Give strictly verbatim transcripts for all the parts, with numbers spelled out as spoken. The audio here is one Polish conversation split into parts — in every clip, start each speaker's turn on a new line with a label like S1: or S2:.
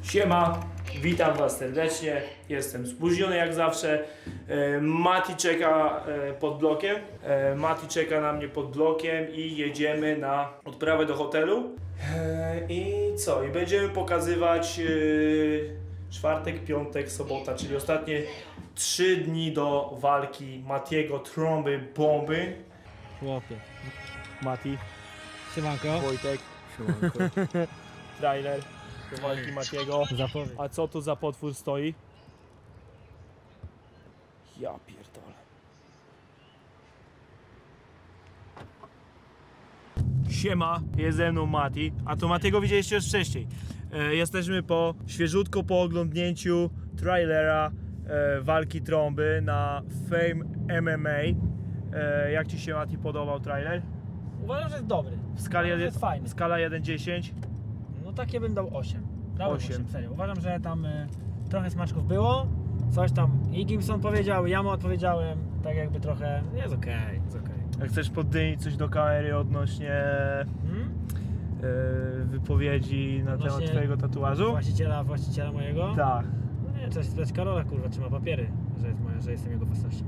S1: Siema, witam was serdecznie, jestem spóźniony jak zawsze. e, Mati czeka e, pod blokiem, e, Mati czeka na mnie pod blokiem i jedziemy na odprawę do hotelu. E, I co? I będziemy pokazywać e, czwartek, piątek, sobota, czyli ostatnie trzy dni do walki Matiego Trąby Bomby.
S2: Chłopie.
S1: Mati,
S2: Siemanko.
S1: Wojtek, trailer do walki Matiego.
S2: Zapowiedź.
S1: A co tu za potwór stoi? Ja pierdolę. Siema, jest ze mną Mati. A to Matiego widzieliście już wcześniej. E, jesteśmy po świeżutko po oglądnięciu trailera e, walki Trąby na Fame M M A. E, jak ci się, Mati, podobał trailer?
S2: Uważam, że jest dobry.
S1: W skali
S2: Uważam, że jest fajny.
S1: skala jeden dziesięć.
S2: No takie bym dał osiem. Dałem
S1: osiem.
S2: osiem, serio. Uważam, że tam y, trochę smaczków było. Coś tam i Gimson powiedział, ja mu odpowiedziałem. Tak jakby trochę, jest okej, okay, jest okej. Okay.
S1: Jak chcesz poddymić coś do kamery odnośnie
S2: Hmm?
S1: e, wypowiedzi na
S2: Odnośnie
S1: temat twojego tatuażu?
S2: Właściciela, właściciela mojego?
S1: Tak.
S2: No nie, trzeba się spytać Karola, kurwa, czy ma papiery, że, jest moja, że jestem jego własnością.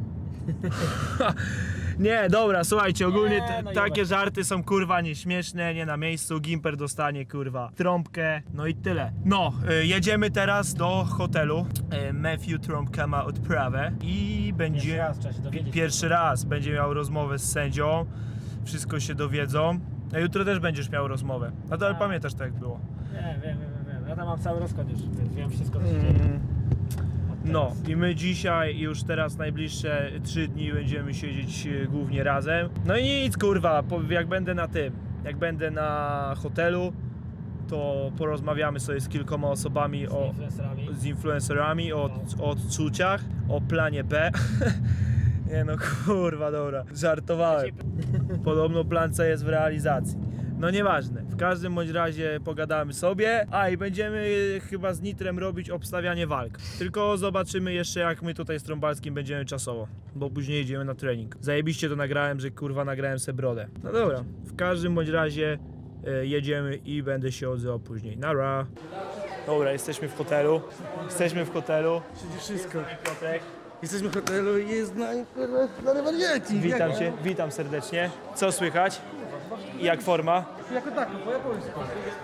S1: Nie, dobra, słuchajcie, ogólnie
S2: Nie,
S1: t-
S2: no i
S1: takie
S2: dobra.
S1: żarty są kurwa nieśmieszne, nie na miejscu, Gimper dostanie kurwa trąbkę, no i tyle. No, y, jedziemy teraz do hotelu, y, Matthew Trąbka ma odprawę i będzie...
S2: Pierwszy raz trzeba się dowiedzieć.
S1: Pierwszy raz będzie miał rozmowę z sędzią, wszystko się dowiedzą. A jutro też będziesz miał rozmowę. A to ale
S2: A.
S1: pamiętasz, tak jak było.
S2: Nie, wiem, wiem, wiem, wiem. Ja tam mam cały rozkład już, więc wiem wszystko, co się dzieje.
S1: Mm.
S2: Od
S1: No
S2: teraz.
S1: i my dzisiaj już teraz najbliższe trzy dni będziemy siedzieć e, głównie razem. No i nic kurwa, po- jak będę na tym, jak będę na hotelu, to porozmawiamy sobie z kilkoma osobami
S2: Z
S1: o,
S2: influencerami.
S1: z influencerami o, o odczuciach, o planie B. Nie no kurwa, dobra, żartowałem. Podobno plan C jest w realizacji. No nieważne, w każdym bądź razie pogadamy sobie, a i będziemy chyba z Nitrem robić obstawianie walk. Tylko zobaczymy jeszcze jak my tutaj z Trąbalskim będziemy czasowo, bo później jedziemy na trening. Zajebiście to nagrałem, że kurwa nagrałem se brodę. No dobra, w każdym bądź razie e, jedziemy i będę się odzywał później. Nara! Dobra, jesteśmy w hotelu. Jesteśmy w hotelu.
S3: Wszystko.
S1: Piotrek,
S3: Jesteśmy w hotelu i jest na na wariaci.
S1: witam cię, witam serdecznie. Co słychać? Jak forma?
S3: Jako tako, po japońsku.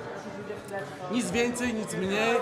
S3: Nic więcej, nic mniej.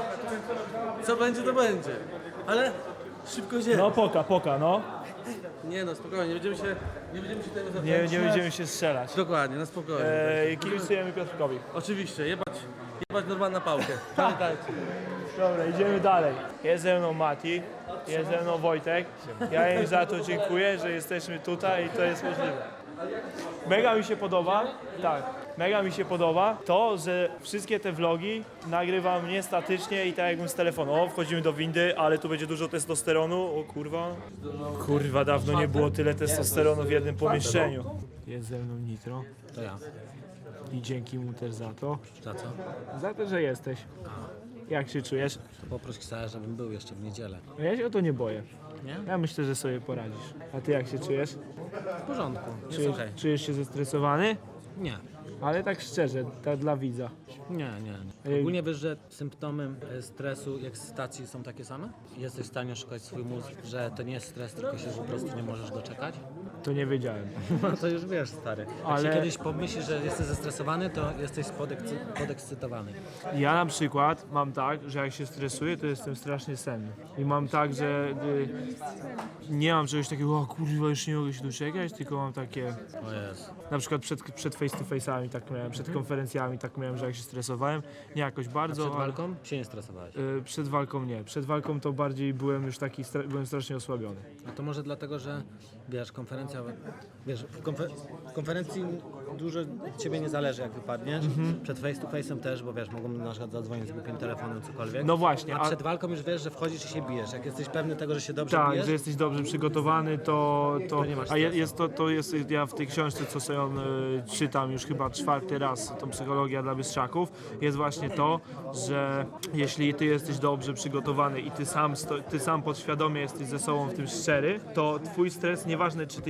S3: Co będzie, to będzie. Ale szybko się.
S1: No poka, poka, no.
S3: Nie no, spokojnie, nie będziemy się, nie będziemy się tego
S1: Nie,
S3: zapominać.
S1: nie będziemy się strzelać.
S3: Dokładnie, na spokojnie.
S1: Eee, kibicujemy Piotrkowi.
S3: Oczywiście, jebać, jebać normalna pałkę. Pamiętajcie.
S1: Dobra, idziemy dalej. Jest ze mną Mati, jest ze mną Wojtek. Ja im za to dziękuję, że jesteśmy tutaj i to jest możliwe. Mega mi się podoba, tak, mega mi się podoba to, że wszystkie te vlogi nagrywam nie statycznie i tak jakbym z telefonu. O, wchodzimy do windy, ale tu będzie dużo testosteronu. O kurwa. Kurwa, dawno nie było tyle testosteronu w jednym pomieszczeniu. Jest ze mną Nitro
S3: To ja.
S1: i dzięki mu też za to.
S3: Za co?
S1: Za to, że jesteś. Jak się czujesz?
S3: To poproś Ksara, żebym był jeszcze w niedzielę.
S1: Ja się o to nie boję.
S3: Nie?
S1: Ja myślę, że sobie poradzisz. A ty jak się czujesz?
S3: W porządku, jest
S1: Czujesz,
S3: okej.
S1: czujesz się zestresowany?
S3: Nie.
S1: Ale tak szczerze, tak dla widza.
S3: Nie, nie, nie. Ogólnie wiesz, że symptomy e, stresu i ekscytacji są takie same? Jesteś w stanie oszukać swój mózg, że to nie jest stres, tylko się po prostu nie możesz doczekać?
S1: To nie wiedziałem.
S3: No to już wiesz, stary. Jak
S1: Ale-
S3: się kiedyś pomyślisz, że jesteś zestresowany, to jesteś podekscy- podekscytowany.
S1: Ja na przykład mam tak, że jak się stresuję, to jestem strasznie senny. I mam tak, że y, nie mam czegoś takiego, o kurwa, już nie mogę się doczekać, tylko mam takie,
S3: O Jezu.
S1: na przykład przed, przed face to face'ami tak miałem, przed konferencjami tak miałem, że jak się stresowałem, nie jakoś bardzo,
S3: Przed
S1: ale-
S3: walką się nie stresowałeś.
S1: Y, przed walką nie. Przed walką to bardziej byłem już taki, stra- byłem strasznie osłabiony.
S3: A to może dlatego, że wiesz, konferencja, wiesz, w, konfer- w konferencji dużo od ciebie nie zależy, jak wypadniesz. Przed face to face'em też, bo wiesz, mogą na przykład zadzwonić z głupim telefonem, cokolwiek.
S1: No właśnie,
S3: A
S1: a-
S3: przed walką już wiesz, że wchodzisz i się bijesz. Jak jesteś pewny tego, że się dobrze
S1: Tak,
S3: bijesz,
S1: że jesteś dobrze przygotowany, to, to,
S3: To nie masz
S1: a je,
S3: stresu.
S1: jest to, to jest, ja w tej książce, co sobie on, y, czytam już chyba czwarty raz, tą psychologię dla bystrzaków, jest właśnie to, że jeśli ty jesteś dobrze przygotowany i ty sam, sto, ty sam podświadomie jesteś ze sobą w tym szczery, to twój stres, nieważne czy ty jesteś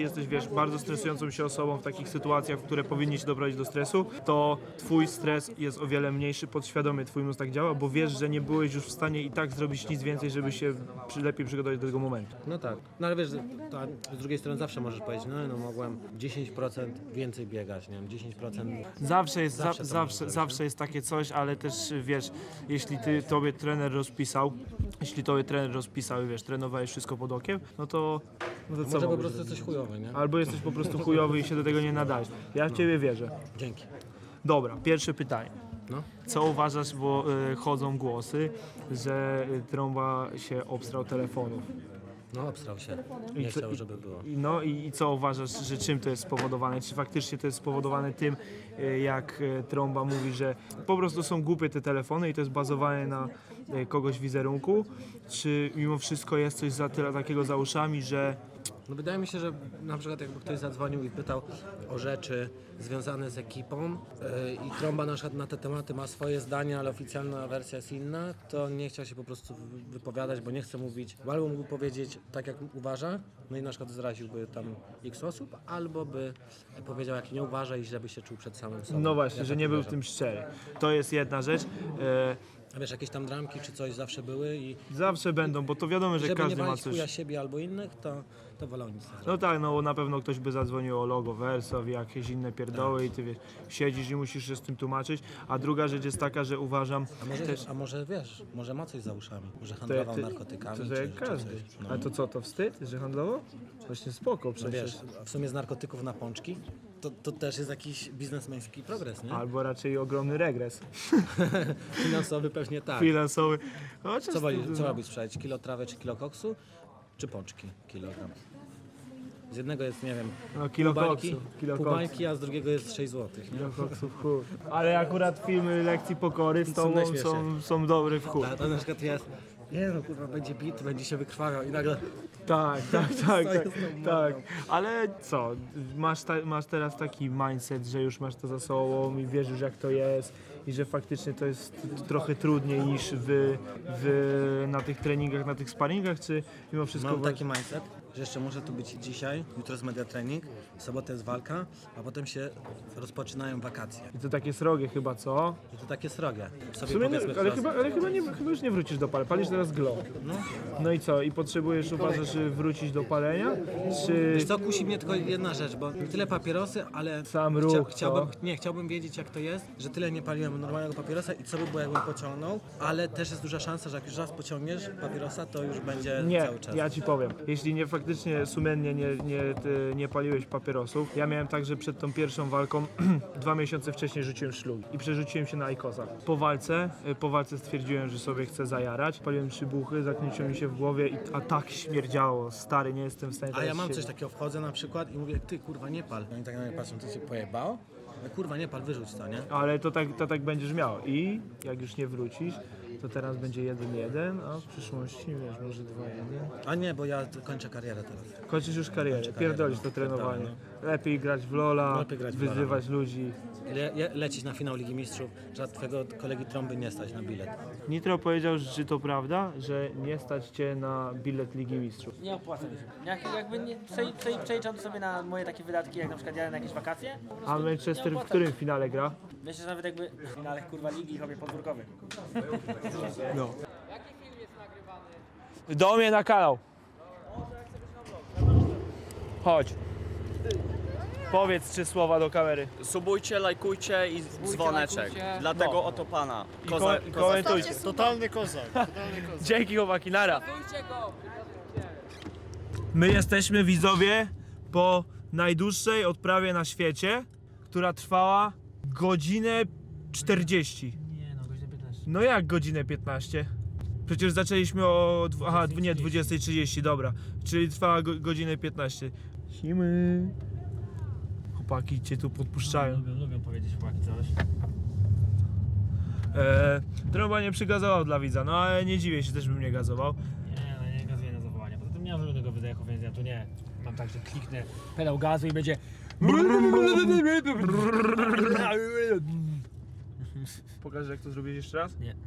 S1: jesteś, wiesz, bardzo stresującą się osobą w takich sytuacjach, w które powinni cię doprowadzić do stresu, to twój stres jest o wiele mniejszy, podświadomie twój mózg tak działa, bo wiesz, że nie byłeś już w stanie i tak zrobić nic więcej, żeby się przy, lepiej przygotować do tego momentu.
S3: No tak. No ale wiesz, to z drugiej strony zawsze możesz powiedzieć, no, no mogłem dziesięć procent więcej biegać, nie wiem, dziesięć procent.
S1: Zawsze jest,
S3: Zawsze
S1: zawsze,
S3: to możesz
S1: zawsze,
S3: zrobić,
S1: zawsze jest takie coś, ale też wiesz, jeśli ty tobie trener rozpisał, jeśli tobie trener rozpisał i wiesz, trenowałeś wszystko pod okiem, no to, no to co
S3: Może po
S1: mogłeś
S3: prostu
S1: zrobić?
S3: jesteś chujowy, nie?
S1: Albo jesteś po prostu chujowy i się do tego nie nadajesz. Ja w ciebie wierzę.
S3: Dzięki.
S1: Dobra, pierwsze pytanie.
S3: No.
S1: Co uważasz, bo y, chodzą głosy, że y, Trąba się obstrał telefonów?
S3: No obstrał się. Nie
S1: I co-
S3: chciał,
S1: i-
S3: żeby było.
S1: I No i, i co uważasz, że czym to jest spowodowane? Czy faktycznie to jest spowodowane tym, y, jak y, Trąba mówi, że po prostu są głupie te telefony i to jest bazowane na y, kogoś wizerunku? Czy mimo wszystko jest coś za tyle takiego za uszami, że
S3: No wydaje mi się, że na przykład jakby ktoś zadzwonił i pytał o rzeczy związane z ekipą yy, i Trąba na przykład na te tematy ma swoje zdania, ale oficjalna wersja jest inna, to nie chciał się po prostu wy- wypowiadać, bo nie chce mówić, bo albo mógł powiedzieć tak jak uważa, no i na przykład zraziłby tam x osób, albo by powiedział jak nie uważa i źle by się czuł przed samym sobą.
S1: no właśnie,
S3: Ja
S1: że
S3: tak
S1: nie był w
S3: uważam.
S1: tym szczery. To jest jedna rzecz. E,
S3: A wiesz, jakieś tam dramki czy coś zawsze były i
S1: zawsze będą, bo to wiadomo, że
S3: żeby nie
S1: każdy ma
S3: walić
S1: coś.
S3: chuja siebie albo innych, to, to wolał nic nie zrobić.
S1: No tak, no na pewno ktoś by zadzwonił o logo Verso, jakieś inne pierdoły i ty wiesz, siedzisz i musisz się z tym tłumaczyć. A druga rzecz jest taka, że uważam
S3: A może,
S1: też...
S3: a może wiesz, może ma coś za uszami, może
S1: To,
S3: handlował
S1: ty,
S3: narkotykami
S1: to,
S3: czy,
S1: że jak
S3: czy
S1: każdy.
S3: coś. No.
S1: Ale to co, to wstyd, że handlował? Właśnie spoko
S3: No
S1: przecież.
S3: wiesz, w sumie z narkotyków na pączki, to, to też jest jakiś biznesmeński progres, nie?
S1: Albo raczej ogromny regres
S3: Finansowy pewnie tak.
S1: finansowy. No,
S3: Co woli, co robić sprzedać? Kilo trawy czy kilo koksu? Czy pączki? Kilogram. Z jednego jest, nie wiem,
S1: No, kilo
S3: pół bańki,
S1: koksu, kilo
S3: pół
S1: koksu.
S3: bańki, a z drugiego jest sześć złotych, nie?
S1: Kilo koksów, chuj. Ale akurat filmy lekcji pokory z
S3: Są
S1: tobą
S3: najśmieszniejsze.
S1: są, są dobre w chuj.
S3: A to na przykład jest, nie no kurwa, będzie bit, będzie się wykrwawiał i nagle
S1: Tak, tak, tak, tak,
S3: z tą
S1: tak. Ale co, masz, ta, masz teraz taki mindset, że już masz to za sobą i wiesz już jak to jest i że faktycznie to jest t- trochę trudniej niż w, w, na tych treningach, na tych sparingach, czy mimo wszystko...
S3: mam
S1: wa-
S3: taki mindset, że jeszcze muszę tu być dzisiaj, jutro jest media trening, w sobotę jest walka, a potem się rozpoczynają wakacje.
S1: I to takie srogie chyba, co?
S3: I to takie srogie.
S1: W
S3: Sobie
S1: sumie, nie,
S3: powiedzmy
S1: ale,
S3: wprost.
S1: chyba, ale chyba, nie, chyba już nie wrócisz do palenia, palisz teraz glow.
S3: No.
S1: No i co, i potrzebujesz, uważasz, że wrócić do palenia, czy...
S3: Wiesz co, kusi mnie tylko jedna rzecz, bo tyle papierosy, ale
S1: Sam ruch,
S3: chciałbym,
S1: co?
S3: nie, chciałbym wiedzieć jak to jest, że tyle nie paliłem normalnego papierosa i co by było jakbym pociągnął, ale też jest duża szansa, że jak już raz pociągniesz papierosa, to już będzie
S1: Nie,
S3: cały czas.
S1: ja ci powiem. Jeśli nie faktycznie sumiennie nie, nie, ty, nie paliłeś papierosów, ja miałem tak, że przed tą pierwszą walką dwa miesiące wcześniej rzuciłem szlugi i przerzuciłem się na Aikosa. Po walce, y, po walce stwierdziłem, że sobie chcę zajarać. Paliłem trzy buchy, zakniciło mi się w głowie, i, a tak śmierdziało. Stary, nie jestem w stanie
S3: A
S1: teraz
S3: ja mam
S1: siedzieć.
S3: coś takiego, wchodzę na przykład i mówię, ty kurwa nie pal. Oni tak na mnie patrzą, ty się pojebało? Ja, kurwa nie pal, wyrzuć to, nie?
S1: Ale to tak, to tak będziesz miał. I jak już nie wrócisz, to teraz będzie jeden jeden, a w przyszłości, wiesz, może dwa jeden.
S3: A nie, bo ja t- kończę karierę teraz.
S1: Kończysz już karierę,
S3: karierę,
S1: pierdolisz
S3: no.
S1: to trenowanie.
S3: Pierdolę,
S1: Lepiej grać w Lola,
S3: Lepiej grać w Lola,
S1: wyzywać ludzi.
S3: Le, le, lecieć na finał Ligi Mistrzów, że twojego kolegi Trąby nie stać na bilet.
S1: Nitro powiedział, że czy to prawda, że nie stać cię na bilet Ligi Mistrzów.
S2: Nie opłaca mi się. Jak, jakby nie, prze, prze, przeliczam to sobie na moje takie wydatki, jak na przykład jadę na jakieś wakacje. po prostu
S1: A
S2: nie
S1: Manchester w
S2: opłaca.
S1: którym finale gra?
S2: Myślę, że nawet jakby w finale kurwa ligi i chobie podwórkowy.
S1: No. Do mnie na kanał. Chodź. Powiedz trzy słowa do kamery.
S4: Subujcie, lajkujcie i dzwoneczek. Dlatego
S1: No.
S4: oto pana.
S1: I,
S4: Koza,
S1: ko- i komentujcie.
S5: Totalny kozak, totalny kozak.
S1: Dzięki chłopaki, nara. My jesteśmy widzowie po najdłuższej odprawie na świecie, która trwała godzinę czterdzieści.
S2: Nie no, godzina piętnaście.
S1: No jak godzinę piętnaście? Przecież zaczęliśmy o... dwu- Aha, nie, dwudziestej trzydzieści, dobra. Czyli trwała go, godzinę piętnaście. Simy. Chłopaki cię tu podpuszczają.
S2: Lubią, lubią powiedzieć chłopaki coś.
S1: Eee, Trąba nie przygazował dla widza, no ale nie dziwię się, też bym nie gazował.
S2: Nie, no nie gazuję na zawołanie. Poza tym nie mam żadnego wydechu, więc ja tu nie. Mam tak, że kliknę pedał gazu i będzie...
S1: Pokażesz jak to zrobić jeszcze raz?
S2: Nie.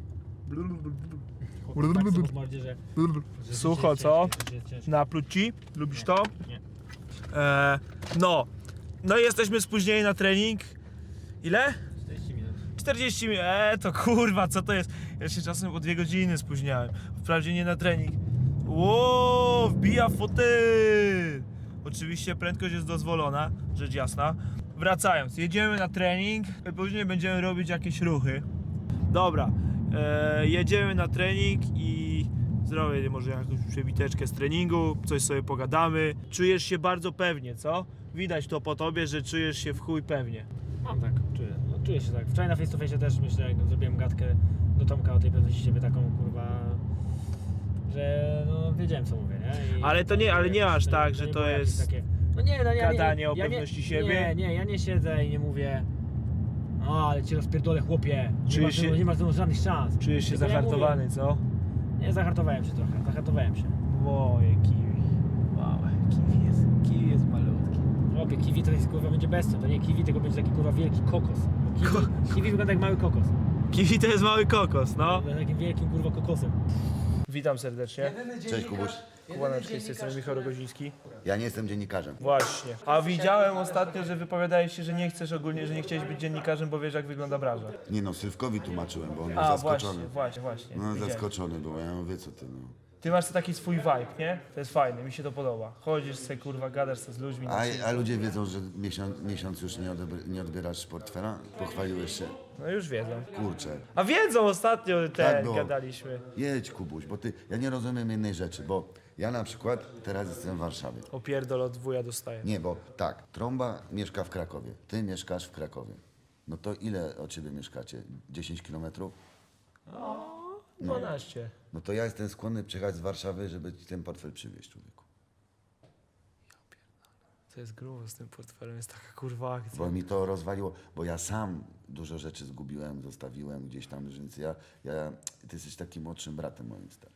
S2: Chłopak tak sobie w mordzie, że... że
S1: Sucho,
S2: życie jest
S1: co?
S2: ciężkie, że jest ciężkie.
S1: Napluć ci? Lubisz to?
S2: Nie.
S1: E, no, no i jesteśmy spóźnieni na trening. Ile?
S2: czterdzieści minut.
S1: czterdzieści minut, eee, to kurwa, co to jest? Ja się czasem o dwie godziny spóźniałem. Wprawdzie nie na trening. Ło, wbija fotel. Oczywiście prędkość jest dozwolona, rzecz jasna. Wracając, jedziemy na trening, później będziemy robić jakieś ruchy. Dobra, e, jedziemy na trening i zrobię może jakąś przebiteczkę z treningu, coś sobie pogadamy. Czujesz się bardzo pewnie, co? Widać to po tobie, że czujesz się w chuj pewnie.
S2: Mam tak, czuję, no, czuję się tak. Wczoraj na face to face też myślę, jak zrobiłem gadkę do Tomka o tej pewności siebie taką, kurwa, że no wiedziałem co mówię, nie? I
S1: Ale to nie, ale nie aż
S2: to
S1: tak,
S2: to
S1: że
S2: nie
S1: to
S2: było jakieś
S1: jest
S2: takie, no nie, no ja nie,
S1: gadanie o
S2: ja
S1: pewności
S2: nie,
S1: siebie.
S2: Nie, nie, ja nie siedzę i nie mówię, o, ale cię rozpierdolę, chłopie, nie
S1: Czujesz
S2: masz,
S1: się-
S2: nie masz ze mną żadnych szans.
S1: Czujesz się
S2: Tylko ja
S1: zahartowany, co?
S2: mówię, nie, zahartowałem się trochę, zahartowałem się.
S1: Moje kiwi. Małe. Kiwi jest, kiwi jest malutki.
S2: Chłopie, kiwi to jest, kurwa, będzie bestią, to nie kiwi, tylko będzie taki, kurwa, wielki kokos. Bo Kiwi, kiwi wygląda jak mały kokos.
S1: Kiwi to jest mały kokos, no.
S2: Wygląda takim wielkim, kurwa, kokosem.
S1: Witam serdecznie.
S6: Cześć Kubuś.
S1: Kubaneczki, z tej strony Michał Rogoziński.
S6: Ja nie jestem dziennikarzem.
S1: Właśnie. A widziałem ostatnio, że wypowiadałeś się, że nie chcesz ogólnie, że nie chciałeś być dziennikarzem, bo wiesz jak wygląda branża.
S6: Nie no, Sylwkowi tłumaczyłem, bo on był
S1: A,
S6: zaskoczony.
S1: właśnie, właśnie, właśnie.
S6: No
S1: Widziałem.
S6: zaskoczony był, ja mówię co ty no.
S1: Ty masz taki swój vibe, nie? To jest fajne, mi się to podoba. Chodzisz sobie, kurwa, gadasz sobie z ludźmi. na
S6: A,
S1: chwilę.
S6: a ludzie wiedzą, że miesiąc, miesiąc już nie, odebr- nie odbierasz portfela? Pochwaliłeś się?
S1: No już wiedzą.
S6: Kurczę.
S1: A wiedzą, ostatnio ten
S6: Tak było.
S1: gadaliśmy.
S6: Jedź Kubuś, bo ty, ja nie rozumiem jednej rzeczy, bo ja na przykład teraz jestem w Warszawie.
S1: Opierdol od wuja dostaję.
S6: Nie, bo tak, Trąba mieszka w Krakowie, ty mieszkasz w Krakowie. No to ile od ciebie mieszkacie? dziesięć kilometrów?
S1: dwanaście.
S6: No to ja jestem skłonny przyjechać z Warszawy, żeby ci ten portfel przywieźć, człowieku.
S1: To jest grubo z tym portfelem, jest taka kurwa akcja.
S6: Bo mi to rozwaliło, bo ja sam dużo rzeczy zgubiłem, zostawiłem gdzieś tam, więc ja, ja ty jesteś takim młodszym bratem moim starym.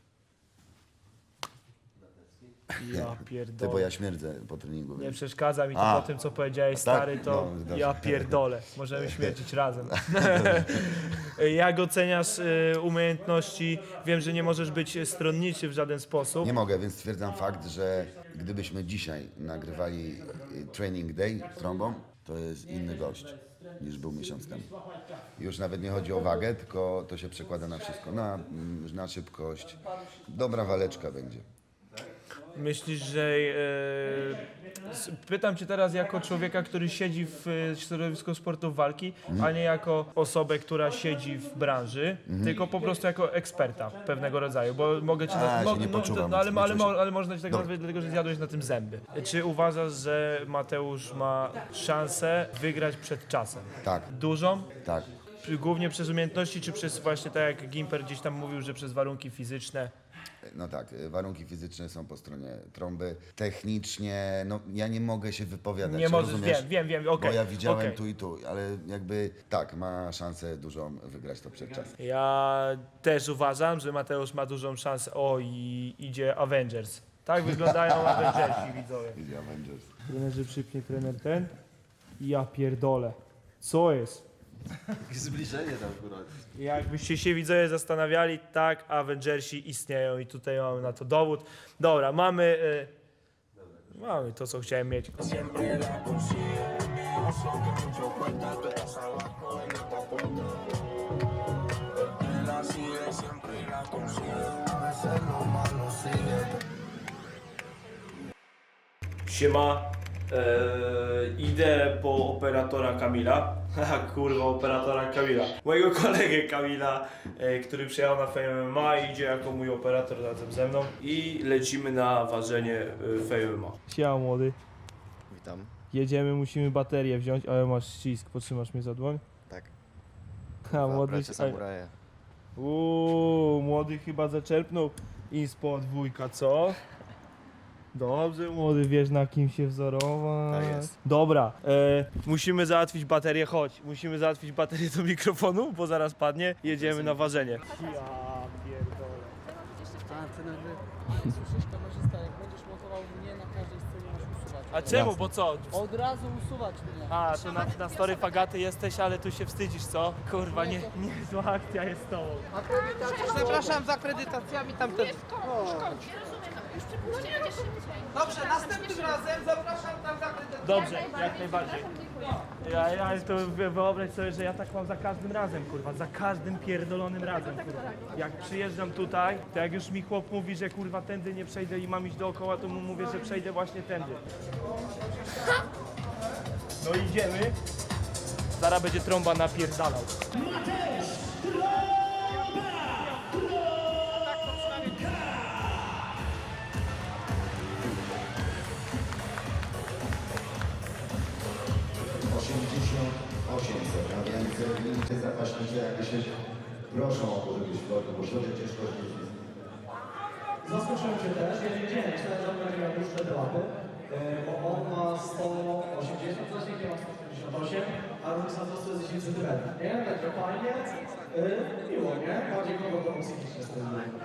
S1: Ja
S6: Ty,
S1: pierdolę.
S6: bo ja śmierdzę po treningu.
S1: Nie
S6: więc-
S1: przeszkadza mi to
S6: A.
S1: po tym, co powiedziałeś,
S6: Tak?
S1: stary, to
S6: No, zgadza
S1: ja
S6: się.
S1: pierdolę. Możemy śmierdzić razem. Jak oceniasz y, umiejętności? Wiem, że nie możesz być stronniczy w żaden sposób.
S6: Nie mogę, więc stwierdzam fakt, że gdybyśmy dzisiaj nagrywali y, training day z Trąbą, to jest inny gość niż był miesiąc temu. Już nawet nie chodzi o wagę, tylko to się przekłada na wszystko. Na, mm, na szybkość. Dobra waleczka będzie.
S1: Myślisz, że... E, s- pytam cię teraz jako człowieka, który siedzi w e, środowisku sportów walki, a nie jako osobę, która siedzi w branży, tylko po prostu jako eksperta pewnego rodzaju, bo mogę cię...
S6: A,
S1: mo-
S6: się nie
S1: no,
S6: poczuwam,
S1: no, ale,
S6: nie
S1: ale,
S6: czuję się.
S1: mo- ale można ci tak
S6: Dobra.
S1: nazwać, dlatego że zjadłeś na tym zęby. Czy uważasz, że Mateusz ma szansę wygrać przed czasem?
S6: Tak,
S1: Dużą?
S6: tak.
S1: Czy głównie przez umiejętności, czy przez właśnie tak jak Gimper gdzieś tam mówił, że przez warunki fizyczne?
S6: No tak, y, warunki fizyczne są po stronie Trąby. Technicznie, no ja nie mogę się wypowiadać.
S1: Nie możesz,
S6: rozumiesz?
S1: wiem, wiem, wiem, okej.
S6: Bo ja widziałem
S1: okej.
S6: tu i tu, ale jakby tak, ma szansę dużą wygrać to przed czasem.
S1: Ja też uważam, że Mateusz ma dużą szansę. O, i idzie Avengers. Tak wyglądają Avengersi, widzowie.
S6: Idzie Avengers.
S1: Trenerzy przypnie trener ten. Ja pierdolę. Co jest?
S5: Zbliżenie tam akurat.
S1: Jakbyście się widzowie zastanawiali, tak, Avengersi istnieją i tutaj mamy na to dowód. Dobra, mamy... Y, mamy to, co chciałem mieć. Siema, eee, idę po operatora Kamila. Haha, kurwa, operatora Kamila. Mojego kolegę Kamila, e, który przyjechał na Fame M M A i idzie jako mój operator razem ze mną. I lecimy na ważenie e, Fame M M A. Siema młody.
S5: Witam.
S1: Jedziemy, musimy baterię wziąć, ale masz ścisk, potrzymasz mnie za dłoń?
S5: Tak.
S1: Ha, młody,
S5: Bracia samuraje.
S1: Uuu, młody chyba zaczerpnął inspo dwójka, co? Dobrze, młody, wiesz na kim się wzorować.
S5: Tak jest.
S1: Dobra, e, musimy załatwić baterię, chodź. Musimy załatwić baterię do mikrofonu, bo zaraz padnie. Jedziemy na ważenie. Ja pierdolę.
S7: A, ty nagle słyszysz kamerzysta, jak będziesz montował mnie na każdej scenie masz usuwać.
S1: A czemu, bo co?
S7: Od razu usuwać mnie.
S1: A, to na, na story Fagaty jesteś, ale tu się wstydzisz, co? Kurwa, nie, nie zła akcja jest z tobą.
S7: Zapraszam z akredytacjami tamten.
S8: Nie rozumiem,
S7: Dobrze, następnym razem zapraszam tam zakryte.
S1: Dobrze, jak najbardziej. Ja, ja to wy- wyobraź sobie, że ja tak mam za każdym razem, kurwa, za każdym pierdolonym razem, kurwa. Jak przyjeżdżam tutaj, to jak już mi chłop mówi, że kurwa tędy nie przejdę i mam iść dookoła, to mu mówię, że przejdę właśnie tędy. No idziemy. Zaraz będzie trąba napierdalał.
S6: osiemdziesiąt osiem więc zapaśnicy jakby się proszą o to, żebyś wchodził, bo środek ciężko jest.
S8: Zaskoczyłem się też, ja nie wiedziałem, myślałem, że on będzie miał dłuższe te łapy, bo on ma sto osiemdziesiąt, zasięg ma sto siedemdziesiąt osiem, a różnica wzrostu jest dziesięć centymetrów, nie? Także fajnie, yy, miło, nie? Bardziej kogo to psychicznie z tym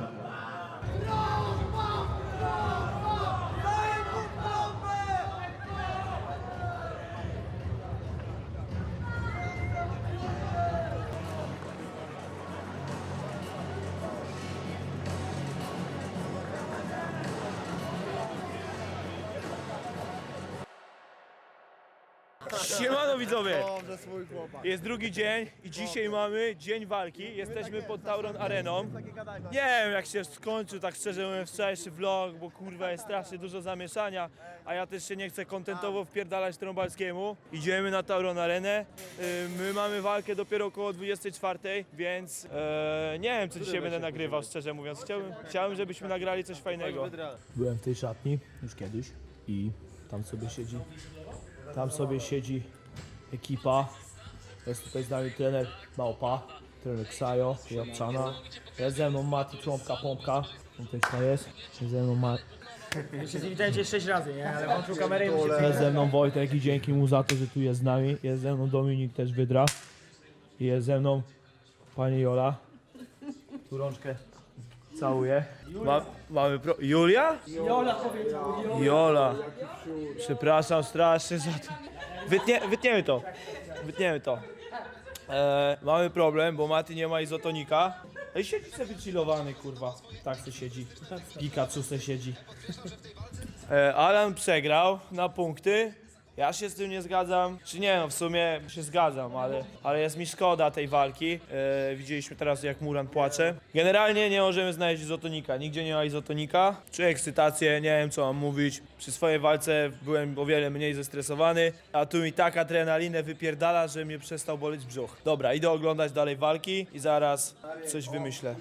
S1: Siemano widzowie! Jest drugi dzień i dzisiaj mamy dzień walki. Jesteśmy pod Tauron Areną. Nie wiem jak się skończył, tak szczerze mówiąc, wczorajszy vlog, bo kurwa jest strasznie dużo zamieszania, a ja też się nie chcę kontentowo wpierdalać Trąbalskiemu. Idziemy na Tauron Arenę. Yy, My mamy walkę dopiero około dwudziestej czwartej, więc e, nie wiem co dzisiaj będę nagrywał, szczerze mówiąc. Chciałbym, chciałbym żebyśmy nagrali coś fajnego. Byłem w tej szatni już kiedyś i tam sobie siedzi Tam sobie siedzi ekipa. Jest tutaj z nami trener Małpa, trener Ksajo i Obczana. Jest ze mną Mati, Trąbka, Pompka. On też jest. Jest ze mną Ma...
S2: Już się z nim widziałem sześć razy, nie? Ale włączył kamerę i mu się
S1: Jest ze mną Wojtek i dzięki mu za to, że tu jest z nami. Jest ze mną Dominik też Wydra. I jest ze mną pani Jola. Tu rączkę całuję. Ma, mamy pro... Julia?
S2: Jola powiedział,
S1: Jola. Przepraszam strasznie za to. Wytnie, wytniemy to. Wytniemy to. E, mamy problem, bo Mati nie ma izotonika. Ej, siedzi sobie chillowany, kurwa. Tak se siedzi. Pikachu se siedzi. E, Alan przegrał na punkty. Ja się z tym nie zgadzam. Czy nie, no w sumie się zgadzam, ale, ale jest mi szkoda tej walki. E, widzieliśmy teraz jak Muran płacze. Generalnie nie możemy znaleźć izotonika. Nigdzie nie ma izotonika. Czuję ekscytację, nie wiem co mam mówić. Przy swojej walce byłem o wiele mniej zestresowany, a tu mi tak adrenalinę wypierdala, że mnie przestał boleć brzuch. Dobra, idę oglądać dalej walki i zaraz coś wymyślę.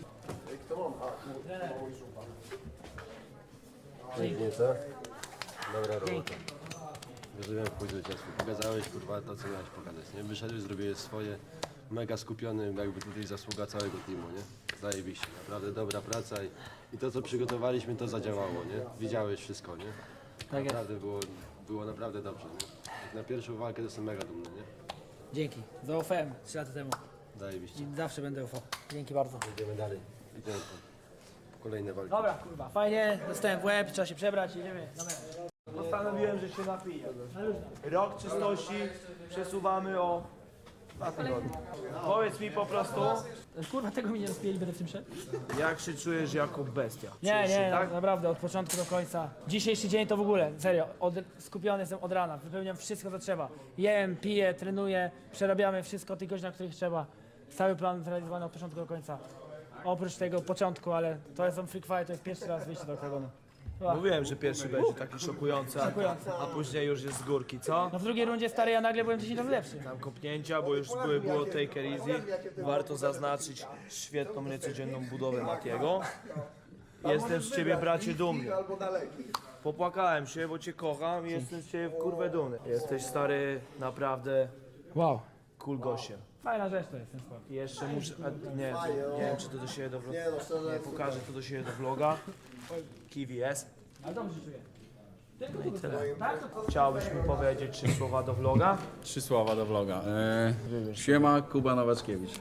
S9: Pięknie, co? Dobra robota. Wyżyłem w chuj zwycięstwo. Pokazałeś, kurwa, to co miałeś pokazać, nie? Wyszedłeś, zrobiłeś swoje, mega skupiony, jakby tutaj zasługa całego teamu, nie? Zajebiście, naprawdę dobra praca i, i to co przygotowaliśmy, to zadziałało, nie? Widziałeś wszystko, nie?
S2: Tak jest.
S9: Naprawdę było, było naprawdę dobrze, nie? Jak na pierwszą walkę to jestem mega dumny, nie?
S2: Dzięki. Zaufałem trzy lata temu.
S9: Zajebiście.
S2: I zawsze będę ufał. Dzięki bardzo.
S9: Idziemy dalej. Idziemy tam. Kolejne walki.
S2: Dobra, kurwa, fajnie. Dostałem w łeb, trzeba się przebrać, idziemy. Dobra.
S1: Postanowiłem, że się napiję. Rok czystości przesuwamy o dwa tygodnie. Powiedz mi po prostu,
S2: Kurwa, tego mi nie rozpijeli, będę w tym szedł?
S1: jak się czujesz jako bestia?
S2: Nie,
S1: Czujesz się
S2: nie,
S1: tak?
S2: naprawdę, od początku do końca. Dzisiejszy dzień to w ogóle, serio, od, skupiony jestem od rana, wypełniam wszystko, co trzeba. Jem, piję, trenuję, przerabiamy wszystko tych godzin, na których trzeba. Cały plan zrealizowany od początku do końca. Oprócz tego początku, ale to jest on free fight, to jest pierwszy raz wyjście do oktagonu.
S1: Mówiłem, że pierwszy będzie taki szokujący, a,
S2: Szokujący.
S1: a później już jest z górki, co?
S2: No w drugiej rundzie stary, ja nagle byłem dziesięć razy lepszy.
S1: Tam kopnięcia, bo już były, było take it easy. Warto zaznaczyć świetną, niecodzienną budowę Matiego. Jestem z ciebie, bracie, dumny. Popłakałem się, bo cię kocham i jestem z ciebie w kurwę dumny. Jesteś, stary, naprawdę
S2: Wow.
S1: cool gościem.
S2: Fajna rzecz to jest ten sport.
S1: I jeszcze muszę, a, nie, nie wiem czy to do siebie do vloga, nie pokażę to do siebie do vloga. Kiwi jest.
S2: Ale dobrze się czuję.
S1: No i tyle. Chciałbyś mi powiedzieć trzy słowa do vloga?
S10: Trzy słowa do vloga. Eee, siema, Kuba Nowackiewicz.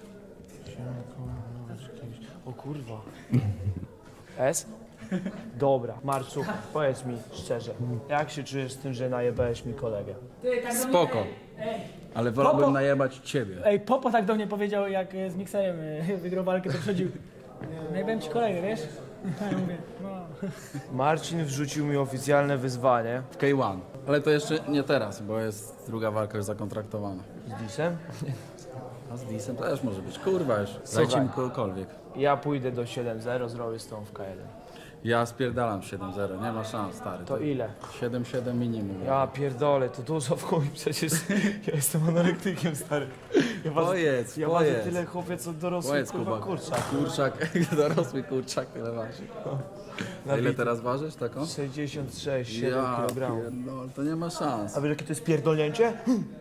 S1: O kurwa. S? Dobra, Marczu, powiedz mi szczerze, jak się czujesz z tym, że najebałeś mi kolegę?
S10: Spoko, ale wolałbym najebać ciebie.
S2: Ej, Popo tak do mnie powiedział, jak e, z mikserem e, wygrał walkę, to przychodził. Najbędę ci kolegę, wiesz? Ja mówię, no.
S1: Marcin wrzucił mi oficjalne wyzwanie.
S10: W K jeden. Ale to jeszcze nie teraz, bo jest druga walka już zakontraktowana.
S1: Z Disem.
S10: A z Disem też może być. Kurwa już.
S1: Słuchaj.
S10: Dajcie mi kogokolwiek.
S1: Ja pójdę do siedem zero, zrobię z tą w K jeden.
S10: Ja spierdalam siedem zero, nie ma szans, stary.
S1: To ile?
S10: siedem siedem minimum.
S1: Ja pierdolę, to dużo w chuj, przecież ja jestem anorektykiem, stary. Ja ważę,
S10: Pojedz,
S1: ja ważę
S10: pojedz.
S1: tyle chłopie, co dorosły
S10: Powiedz,
S1: kurwa
S10: Kuba.
S1: kurczak.
S10: Kurczak, dorosły kurczak, tyle waży. A ile teraz ważysz taką?
S1: sześćdziesiąt sześć, siedem
S10: Ja
S1: kilogramów.
S10: pierdolę, to nie ma szans.
S1: A wiesz jakie to jest pierdolnięcie?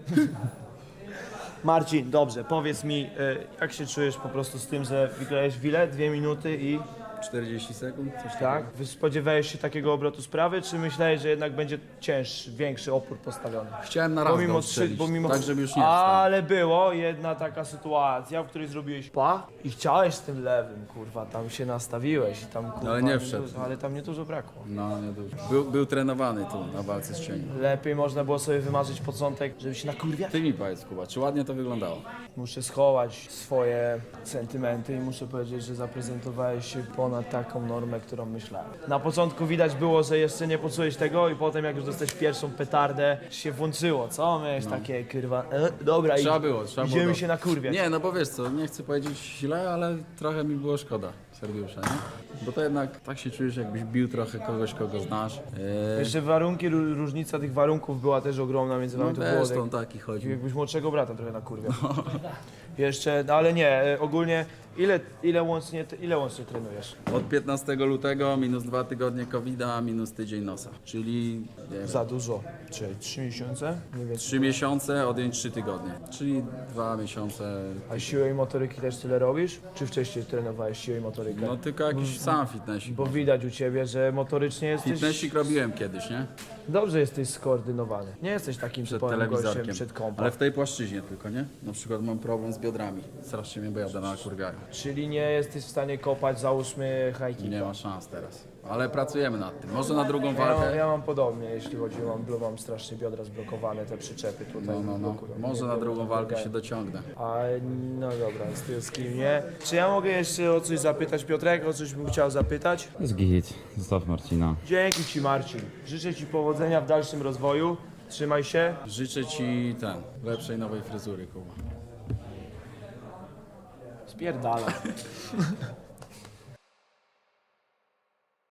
S1: Marcin, dobrze, powiedz mi, y, jak się czujesz po prostu z tym, że wygrałeś w ile? Dwie minuty i...
S10: czterdzieści sekund? Coś
S1: Tak? Wy spodziewałeś się takiego obrotu sprawy, czy myślałeś, że jednak będzie cięższy, większy opór postawiony?
S10: Chciałem na raz
S1: Pomimo
S10: go
S1: trzy,
S10: strzelić,
S1: pomimo...
S10: tak żeby już nie wstał.
S1: Ale było jedna taka sytuacja, w której zrobiłeś pa i chciałeś z tym lewym, kurwa, tam się nastawiłeś i tam kurwa...
S10: Ale nie wszedł.
S1: dużo, ale tam nie dużo brakło.
S10: No, nie dużo. Był, był trenowany tu na walce z cieniem.
S1: Lepiej można było sobie wymarzyć początek, żeby się nakurwiać.
S10: Ty mi powiedz, Kuba, czy ładnie to wyglądało?
S1: Muszę schować swoje sentymenty i muszę powiedzieć, że zaprezentowałeś się ponad taką normę, którą myślałem. Na początku widać było, że jeszcze nie poczułeś tego i potem jak już dostałeś pierwszą petardę, się włączyło, co? Miałeś takie, kurwa, e, dobra,
S10: Trzeba
S1: i
S10: było, trzeba było.
S1: idziemy
S10: dobrze.
S1: się nakurwiać.
S10: Nie, no bo wiesz co, nie chcę powiedzieć źle, ale trochę mi było szkoda serduszka, nie? Bo to jednak tak się czujesz, jakbyś bił trochę kogoś, kogo znasz. Eee,
S1: Jeszcze warunki, ró- różnica tych warunków była też ogromna między
S10: no
S1: wami. To było
S10: zresztą
S1: jak,
S10: taki chodzi.
S1: jakbyś młodszego brata trochę nakurwiał. Jeszcze, no ale nie, e, ogólnie ile, ile, łącznie, ile łącznie trenujesz?
S10: Od piętnastego lutego minus dwa tygodnie kowida, minus tydzień nosa. Czyli nie wiem,
S1: Za dużo. Czyli trzy miesiące? Nie wiem.
S10: trzy miesiące, odjąć trzy tygodnie. Czyli dwa miesiące.
S1: A siłę i motoryki też tyle robisz? Czy wcześniej trenowałeś siłę i motorykę?
S10: No tylko jakiś sam fitnessik.
S1: Bo widać u ciebie, że motorycznie jesteś...
S10: Fitnessik robiłem kiedyś, nie?
S1: Dobrze jesteś skoordynowany. Nie jesteś takim
S10: Przed
S1: typowym gościem
S10: telewizorkiem.
S1: przed kąpem.
S10: Ale w tej płaszczyźnie tylko, nie? Na przykład mam problem z biodrami. Strasznie mnie bojadę na kurwiają.
S1: Czyli nie jesteś w stanie kopać, załóżmy, high kicka.
S10: Nie ma szans teraz. Ale pracujemy nad tym. Może na drugą
S1: Ja,
S10: walkę.
S1: ja mam podobnie, jeśli chodzi o mam, mam strasznie biodra zblokowane, te przyczepy tutaj.
S10: No, no, no.
S1: blokują.
S10: Może
S1: Nie
S10: na
S1: wiem,
S10: drugą walkę
S1: pomagają.
S10: się dociągnę.
S1: A no dobra, z tym z kim nie. Czy ja mogę jeszcze o coś zapytać, Piotrek? O coś bym chciał zapytać?
S11: Z git, zostaw Marcina.
S1: Dzięki Ci, Marcin. Życzę Ci powodzenia w dalszym rozwoju. Trzymaj się.
S10: Życzę ci ten, lepszej nowej fryzury, Kuba.
S1: Spierdala.